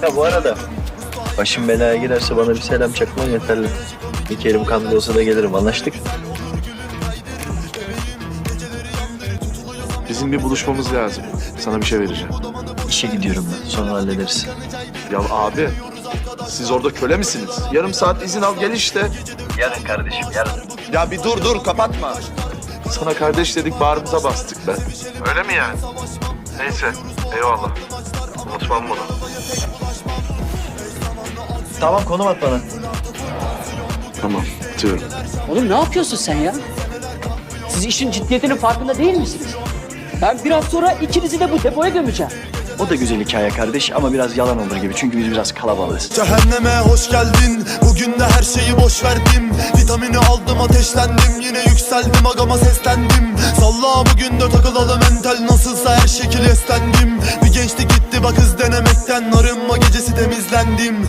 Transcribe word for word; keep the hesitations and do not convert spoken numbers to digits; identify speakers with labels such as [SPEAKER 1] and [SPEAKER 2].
[SPEAKER 1] Ha bu arada başım belaya girerse bana bir selam çakman yeterli. İki elim kanlı olsa da gelirim, anlaştık.
[SPEAKER 2] Bizim bir buluşmamız lazım. Sana bir şey vereceğim.
[SPEAKER 1] İşe gidiyorum ben, sonra hallederiz.
[SPEAKER 2] Ya abi, siz orada köle misiniz? Yarım saat izin al gel işte.
[SPEAKER 1] Yarın kardeşim, yarın.
[SPEAKER 2] Ya bir dur dur kapatma. Sana kardeş dedik bağrımıza bastık be. Öyle mi yani? Neyse eyvallah. Unutmam bunu.
[SPEAKER 1] Tamam, konum at bana.
[SPEAKER 2] Tamam atıyorum.
[SPEAKER 3] Oğlum ne yapıyorsun sen ya? Siz işin ciddiyetinin farkında değil misiniz? Ben biraz sonra ikinizi de bu depoya gömeceğim.
[SPEAKER 1] O da güzel hikaye kardeş ama biraz yalan olur gibi. Çünkü biz biraz kalabalığız.
[SPEAKER 4] Cehenneme hoş geldin. Bugün de her şeyi boş verdim. Vitamini aldım, ateşlendim. Yine yükseldim, agama seslendim. Salla bugün de takılalım entel. Nasılsa her şekil eslendim. Bir gençlik gitti bak hız denemekten. Arınma gecesi temizlendim.